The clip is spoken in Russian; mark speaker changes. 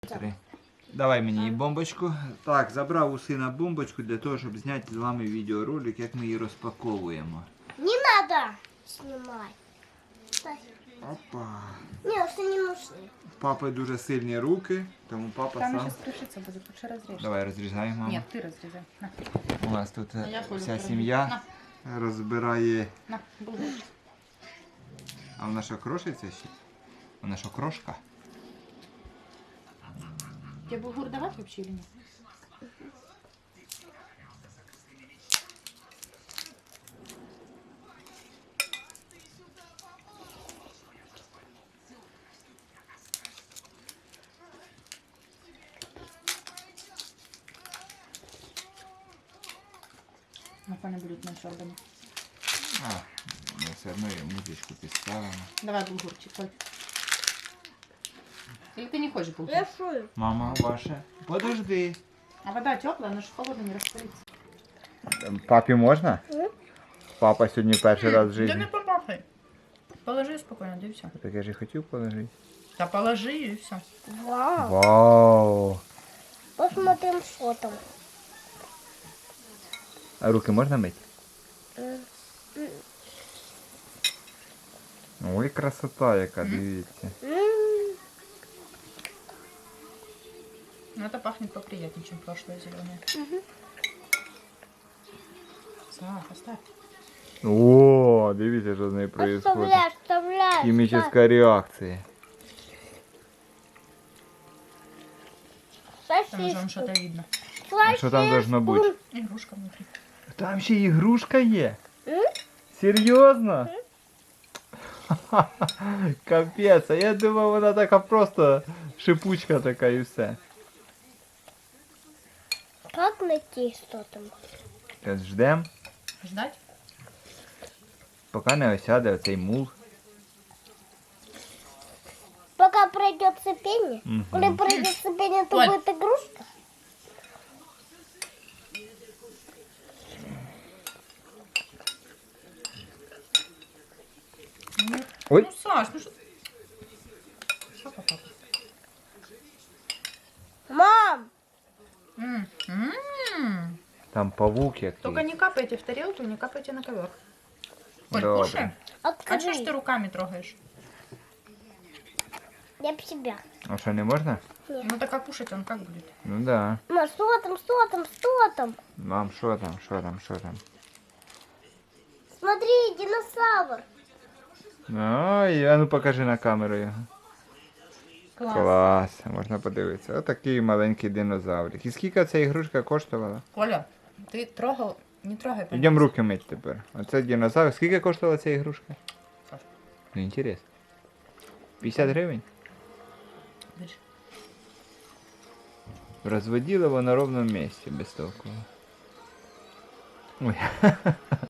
Speaker 1: Три. Давай мені і бомбочку. Так, забрав у сина бомбочку для того, щоб зняти з вами відеоролик, як ми її розпаковуємо.
Speaker 2: Не надо снимать.
Speaker 1: Опа.
Speaker 2: Не, это не нужно.
Speaker 1: В папи дуже сильні руки, тому папа
Speaker 3: Там
Speaker 1: сам.
Speaker 3: сейчас крышиться будет, лучше разрежь.
Speaker 1: Давай розрізаємо, мама.
Speaker 3: Нет, ты разрезай. На,
Speaker 1: У нас тут
Speaker 3: я Колю
Speaker 1: вся
Speaker 3: пройду.
Speaker 1: сім'я розбирає.
Speaker 3: на, булгур.
Speaker 1: А вона що, крошиться ще? Вона що, крошка?
Speaker 3: Тебе булгур давать вообще или нет? Напевно, будуть менше органів.
Speaker 1: А, ми все одно її музичку підставимо.
Speaker 3: Давай булгурчик, Коль. Или ты не хочешь булгур?
Speaker 2: Я шую.
Speaker 1: Мама, ваша. Подожди.
Speaker 3: А вода теплая, она же холодная, не растворится.
Speaker 1: Папі можна? Папа сьогодні перший раз в
Speaker 3: Да не
Speaker 1: житті.
Speaker 3: попахай. Положи спокойно, да и все.
Speaker 1: Так я ж і хотів положити.
Speaker 3: Да положи и все.
Speaker 2: Вау.
Speaker 1: Вау!
Speaker 2: Посмотрим, что там.
Speaker 1: А руки можна мити?
Speaker 2: М,
Speaker 1: Ой, красота яка, дивіться.
Speaker 2: м.
Speaker 3: Ну это пахнет поприятнее, чем прошлое зеленое. Саш, оставь.
Speaker 1: О, дивіться, що з нею відбувається.
Speaker 2: Оставляй, оставляй.
Speaker 1: Хімічна реакція.
Speaker 3: Там уже
Speaker 2: Сосиску.
Speaker 3: что-то видно.
Speaker 1: А що там должно бути?
Speaker 3: Игрушка внутри.
Speaker 1: Там ще ігрушка є.
Speaker 2: М?
Speaker 1: Серйозно? Капець, а я думав, вона така просто шипучка така і все.
Speaker 2: Как найти, что там?
Speaker 1: Зараз ждем,
Speaker 3: Ждать?
Speaker 1: поки не осяде оцей мул.
Speaker 2: Пока пройдет цепение.
Speaker 1: Мгм.
Speaker 2: Когда пройдет цепение, то
Speaker 3: Оль.
Speaker 2: будет игрушка.
Speaker 1: Ой,
Speaker 3: Ну, Саш, ну что... Что попало?
Speaker 2: Мам!
Speaker 1: там павук який.
Speaker 3: Только не капайте в тарелку, не капайте на ковер. Коль,
Speaker 1: Добре.
Speaker 3: кушай. А что ж
Speaker 2: Открой.
Speaker 3: ты руками трогаешь?
Speaker 2: Я б себя.
Speaker 1: А що, не можна?
Speaker 3: Ну так а кушать он как будет?
Speaker 1: Ну да.
Speaker 2: Ма, что там, что там, что там?
Speaker 1: Мам, що там, що там, що там?
Speaker 2: Смотри, динозавр.
Speaker 1: Ой, а ну покажи на камеру його.
Speaker 3: Класс.
Speaker 1: Клас, можна подивитися. Отакий маленький динозаврик. І скільки ця ігрушка коштувала?
Speaker 3: Коля, ты трогал, не трогай. пожалуйста.
Speaker 1: Йдемо руки мити тепер. Оце динозавр. Скільки коштувала ця ігрушка?
Speaker 3: Саш,
Speaker 1: Ну, інтересно. 50 гривень?
Speaker 3: дальше.
Speaker 1: Розводила на ровному місці без толку. Ой.